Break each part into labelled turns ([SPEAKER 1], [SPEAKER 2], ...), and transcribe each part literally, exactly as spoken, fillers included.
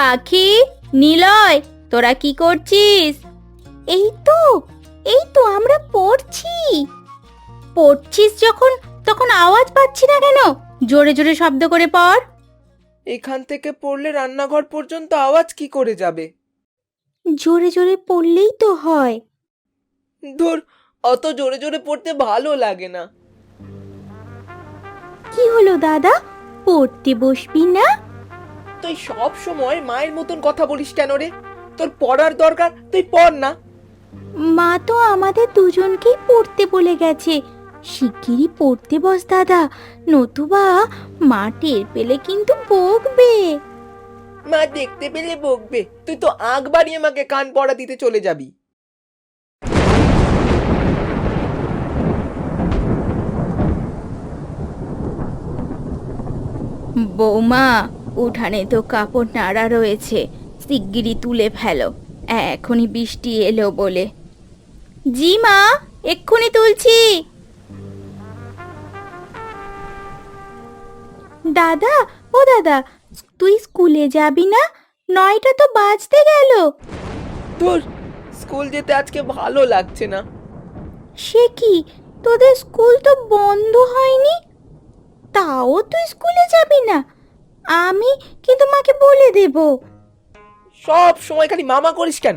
[SPEAKER 1] পাখি, নিলয়, তোরা কি করছিস? এই তো এই তো আমরা পড়ছি। পড়ছিস যখন তখন আওয়াজ পাচ্ছি না কেন? জোরে জোরে শব্দ করে পড়।
[SPEAKER 2] এখান থেকে পড়লে রান্নাঘর পর্যন্ত আওয়াজ কি করে যাবে?
[SPEAKER 1] জোরে জোরে পড়লেই তো হয়।
[SPEAKER 2] ধুর, অত জোরে জোরে পড়তে ভালো লাগে না।
[SPEAKER 1] কি হলো দাদা, পড়তে বসবি না?
[SPEAKER 2] তুই সব সময় মায়ের মতন কথা বলিস কেন রে? তোর পড়ার দরকার, তুই পড় না।
[SPEAKER 1] মা তো আমাদের দুজনকেই পড়তে বলে গেছে। শিগগিরই পড়তে বস দাদা, নতুবা মা টের পেলে কিন্তু বকবে।
[SPEAKER 2] মা দেখতে পেলে বকবে, তুই তো আগ বাড়িয়ে মাকে কান পড়া দিতে চলে যাবি।
[SPEAKER 1] বৌমা, উঠানে তো কাপড় নাড়া রয়েছে, শিগগিরই তুলে ফেলো, এখনই বৃষ্টি এলো বলে। জি মা, এক্ষুনি তুলছি। দাদা, ও দাদা, তুই স্কুলে যাবি না? নয়টা তো বাজতে গেল।
[SPEAKER 2] তোর স্কুল যেতে আজকে ভালো লাগছে না।
[SPEAKER 1] সে কি, তোদের স্কুল তো বন্ধ হয়নি, তাও তুই স্কুলে যাবি না? আমি কিন্তু মাকে বলে দেব।
[SPEAKER 2] সব সময় খালি মামা করিস কেন?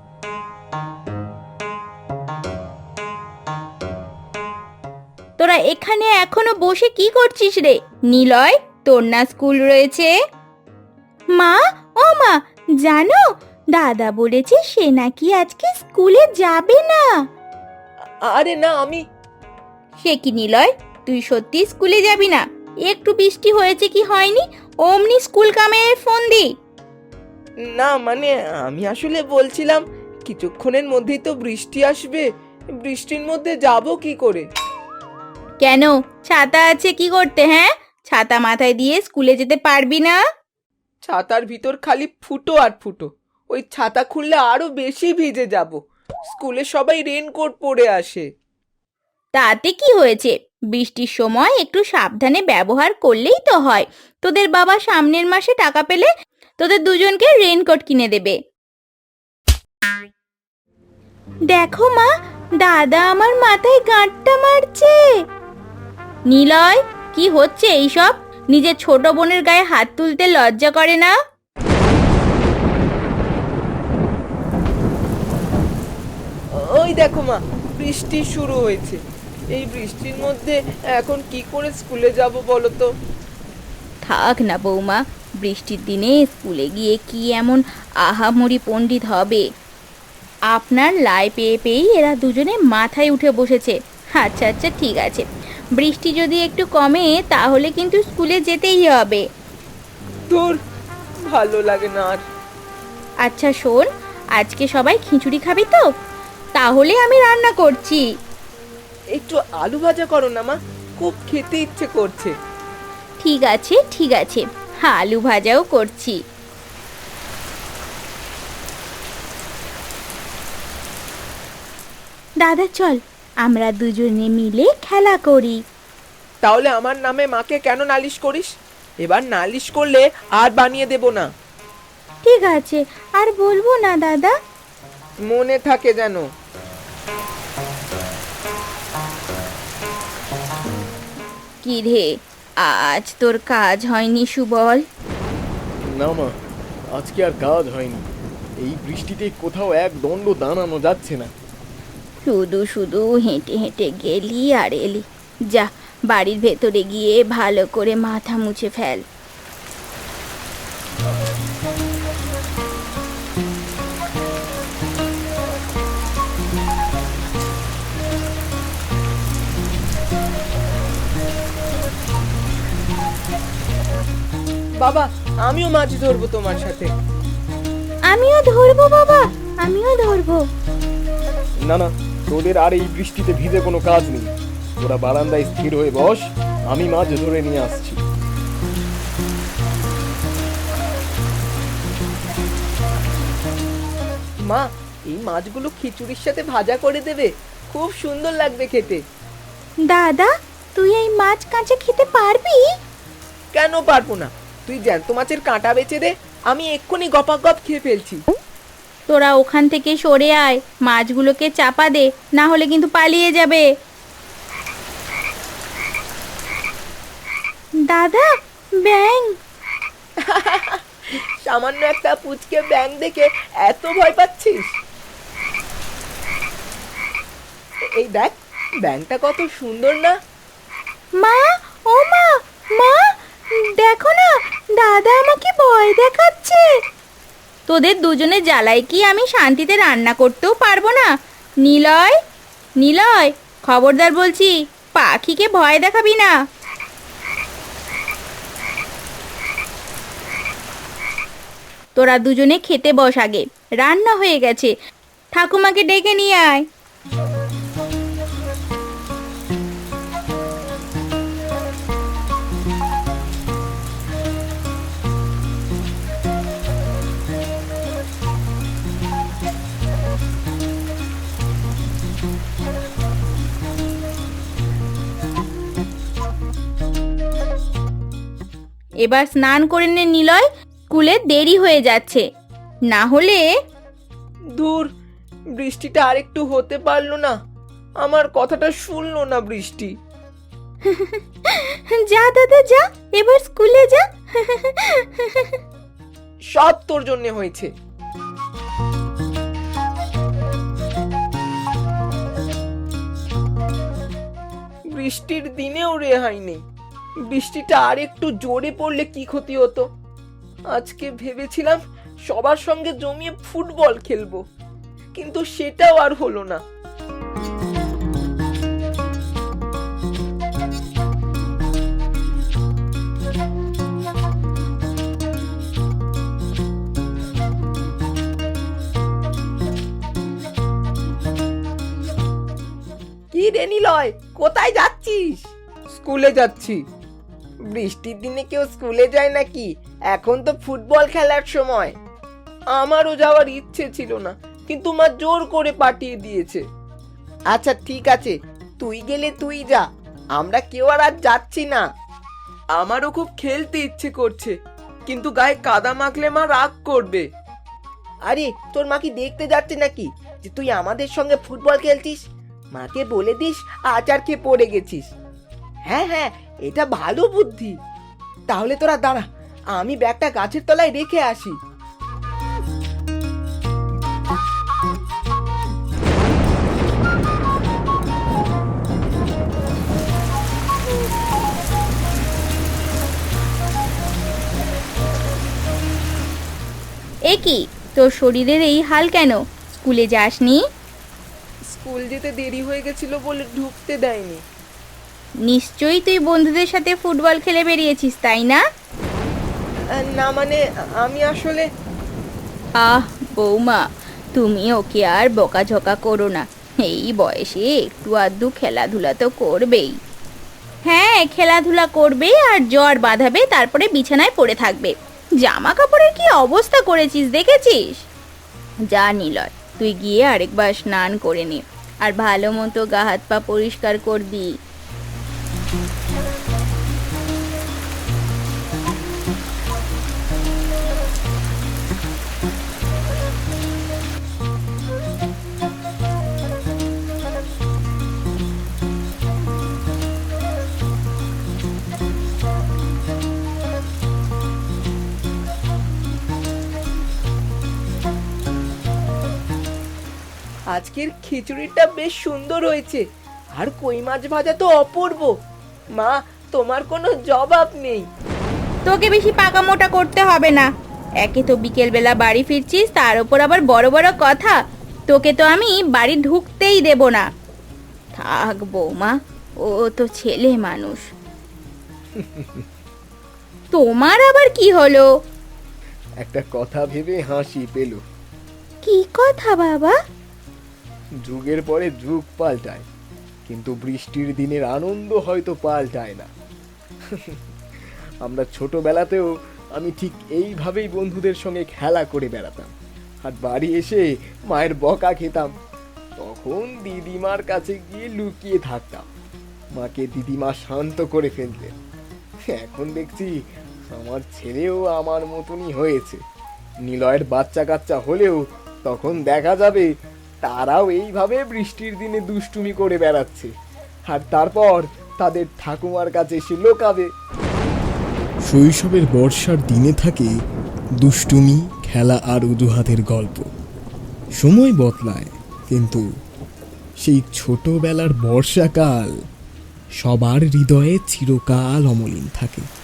[SPEAKER 1] তোরা এখানে এখনো বসে কি করছিস রে? নিলয়, তোর না স্কুল রয়েছে? মা, ও মা, জানো দাদা বলেছে সে নাকি আজকে স্কুলে যাবে না।
[SPEAKER 2] আরে না, আমি
[SPEAKER 1] সে কি নিলয়, তুই সত্যি স্কুলে যাবি না? একটু বৃষ্টি হয়েছে কি হয়নি, অমনি স্কুল কামে ফোন দি।
[SPEAKER 2] না, মানে আমি আসলে বলছিলাম কিছুক্ষণের মধ্যেই তো বৃষ্টি আসবে, বৃষ্টির মধ্যে যাব কি করে?
[SPEAKER 1] কেন, ছাতা আছে কি করতে? হ্যাঁ, ছাতা মাথায় দিয়ে স্কুলে যেতে পারবি না?
[SPEAKER 2] ছাতার ভিতর খালি ফুটো আর ফুটো, ওই ছাতা খুললে আরো বেশি ভিজে যাব। স্কুলে সবাই রেনকোট পরে আসে।
[SPEAKER 1] তাতে কি হয়েছে, বৃষ্টির সময় একটু সাবধানে ব্যবহার করলেই তো হয়। তোদের বাবা সামনের মাসে টাকা পেলে তোদের দুজনকে রেনকোট কিনে দেবে। দেখো মা, দাদা আমার মাথায় গাঁটটা মারছে। নিলয়, কি হচ্ছে এইসব? নিজের ছোট বোনের গায়ে হাত তুলতে লজ্জা করে না?
[SPEAKER 2] ওই দেখো মা, বৃষ্টি শুরু হয়েছে। এই বৃষ্টির মধ্যে এখন কি করে স্কুলে যাব বলো তো?
[SPEAKER 1] থাক না বৌমা, বৃষ্টির দিনে স্কুলে গিয়ে কি এমন আহামরি পণ্ডিত হবে? আপনার লাই পেয়ে পেয়েই এরা দুজনে মাথায় উঠে বসেছে। আচ্ছা আচ্ছা, ঠিক আছে, বৃষ্টি যদি একটু কমে তাহলে কিন্তু স্কুলে যেতেই হবে।
[SPEAKER 2] ধুর, ভালো লাগে না আর।
[SPEAKER 1] আচ্ছা শোন, আজকে সবাই খিচুড়ি খাবি তো? তাহলে আমি রান্না করছি।
[SPEAKER 2] একটু আলু ভাজা করো না মা, খুব খেতে ইচ্ছে করছে।
[SPEAKER 1] ঠিক আছে ঠিক আছে, আলু ভাজাও করছি। দাদা চল, আমরা দুজনে মিলে খেলা করি।
[SPEAKER 2] তাহলে আমার নামে মাকে কেন নালিশ করিস? এবার নালিশ করলে আর বানিয়ে দেব না।
[SPEAKER 1] ঠিক আছে, আর বলবো না দাদা।
[SPEAKER 2] মনে থাকে যেন।
[SPEAKER 1] কি রে, আজ তোর কাজ হয়নি সুবল?
[SPEAKER 3] না মা, আজকে আর কাজ হয়নি। এই বৃষ্টিতে কোথাও এক দণ্ড দাঁড়ানো যাচ্ছে না।
[SPEAKER 1] শুধু শুধু হেঁটে হেঁটে গেলি আর এলি। যা, বাড়ির ভেতরে গিয়ে ভালো করে মাথা মুছে ফেল।
[SPEAKER 2] বাবা, আমিও মাছ ধরবো তোমার সাথে।
[SPEAKER 1] আমিও ধরবো বাবা, আমিও ধরবো।
[SPEAKER 3] না না, তোদের আর এই বৃষ্টিতে ভিজে কোনো কাজ নেই। তোরা বারান্দায় স্থির হয়ে বস, আমি মাছ ধরে নিয়ে আসছি।
[SPEAKER 2] মা, এই মাছগুলো খিচুড়ির সাথে ভাজা করে দেবে, খুব সুন্দর লাগবে খেতে।
[SPEAKER 1] দাদা, তুই এই মাছ কাঁচা খেতে পারবি?
[SPEAKER 2] কেন পারবো না? তুই জ্যান্ত মাছের কাঁটা বেচে দে, আমি এক্ষুনি গপাগপ খেয়ে ফেলছি।
[SPEAKER 1] তোরা ওখান থেকে সরে আয়, মাছগুলোকে চাপা দে, না হলে কিন্তু পালিয়ে যাবে। দাদা, ব্যাং!
[SPEAKER 2] সামান্য একটা পুচকে ব্যাঙ দেখে এত ভয় পাচ্ছিস? এই দেখ, ব্যাঙটা কত সুন্দর না?
[SPEAKER 1] মা, ও মা, মা, দেখো না, দাদা আমাকে ভয় দেখাচ্ছে। তোদের দুজনে জ্বালায় কি আমি শান্তিতে রান্না করতেও পারবো না? নিলয়, নিলয়, খবরদার বলছি, পাখিকে ভয় দেখাবি না। তোরা দুজনে খেতে বস আগে, রান্না হয়ে গেছে। ঠাকুমাকে ডেকে নিয়ে আয়। এবার স্নান করে নে নিলয়, স্কুলে দেরি হয়ে যাচ্ছে, না হলে।
[SPEAKER 2] দূর, বৃষ্টিটা আরেকটু হতে পারলো না? আমার কথাটা শুনলো না বৃষ্টি।
[SPEAKER 1] যা দাদা যা, এবার স্কুলে যা।
[SPEAKER 2] সব তোর জন্য হয়েছে। বৃষ্টির দিনেও রেহাই নেই। বৃষ্টিটা আর একটু জোরে পড়লে কি ক্ষতি হতো? আজকে ভেবেছিলাম সবার সঙ্গে জমিয়ে ফুটবল খেলবো, কিন্তু সেটাও আর হলো না। কি রে নিলয়, কোথায় যাচ্ছিস? স্কুলে যাচ্ছি। বৃষ্টির দিনে কেউ স্কুলে যায় নাকি? এখন তো ফুটবল খেলার সময়। আমারও যাওয়ার ইচ্ছে ছিল না, কিন্তু মা জোর করে পাঠিয়ে দিয়েছে। আচ্ছা ঠিক আছে, তুই গেলে তুই যা, আমরা কেউ আর আজ যাচ্ছি না। আমারও খুব খেলতে ইচ্ছে করছে, কিন্তু গায়ে কাদা মাখলে মা রাগ করবে। আরে তোর মা কি দেখতে যাচ্ছে নাকি যে তুই আমাদের সঙ্গে ফুটবল খেলছিস? মাকে বলে দিস আচার খেয়ে পড়ে গেছিস। হ্যাঁ হ্যাঁ, এটা ভালো বুদ্ধি। তাহলে তোরা দাঁড়া, আমি ব্যাগটা গাছের তলায় রেখে আসি।
[SPEAKER 1] এ কি, তোর শরীরের এই হাল কেন? স্কুলে যাসনি?
[SPEAKER 2] স্কুল যেতে দেরি হয়ে গেছিল বলে ঢুকতে দেয়নি।
[SPEAKER 1] নিশ্চয়ই তুই বন্ধুদের সাথে ফুটবল খেলে বেরিয়েছিস, তাই না?
[SPEAKER 2] না মানে, আমি আসলে।
[SPEAKER 1] আহ বৌমা, তুমি ওকে আর বকাঝকা করো না। এই বয়সে একটু আধটু খেলাধুলা তো করবেই। হ্যাঁ, খেলাধুলা করবে আর জ্বর বাঁধাবে, তারপরে বিছানায় পড়ে থাকবে। জামা কাপড়ের কি অবস্থা করেছিস দেখেছিস? যা নিলয়, তুই গিয়ে আরেকবার স্নান করে নে, আর ভালো মতো গা হাত পা পরিষ্কার করবি।
[SPEAKER 2] আজকের খিচুড়িটা বেশ সুন্দর হয়েছে, আর কই মাছ ভাজা তো অপূর্ব। মা, তোমার কোনো জবাব নেই।
[SPEAKER 1] তোকে বেশি পাকা মোটা করতে হবে না। একে তো বিকেলবেলা বাড়ি ফিরছিস, তার উপর আবার বড় বড় কথা। তোকে তো আমি বাড়ি ঢুকতেই দেব না। থাক বৌমা, ও তো ছেলে মানুষ। তোমার আবার কি হলো?
[SPEAKER 3] একটা কথা ভেবে হাসি পেল।
[SPEAKER 1] কি কথা বাবা?
[SPEAKER 3] যুগের পরে যুগ পাল্টায়, কিন্তু বৃষ্টির দিনের আনন্দ হয়তো পাল্টায় না। আমরা ছোটবেলাতেও আমি ঠিক এইভাবেই বন্ধুদের সঙ্গে খেলা করে বেড়াতাম, আর বাড়ি এসে মায়ের বকা খেতাম। তখন দিদিমার কাছে গিয়ে লুকিয়ে থাকতাম, মাকে দিদিমা শান্ত করে ফেলতেন। এখন দেখছি আমার ছেলেও আমার মতনই হয়েছে। নিলয়ের বাচ্চা কাচ্চা হলেও তখন দেখা যাবে তারাও এইভাবে বৃষ্টির দিনে দুষ্টুমি করে বেড়াচ্ছে, আর তারপর তাদের ঠাকুমার কাছে এসে লোকাবে।
[SPEAKER 4] শৈশবের বর্ষার দিনে থাকে দুষ্টুমি, খেলা আর অজুহাতের গল্প। সময় বদলায়, কিন্তু সেই ছোটবেলার বর্ষাকাল সবার হৃদয়ে চিরকাল অমলিন থাকে।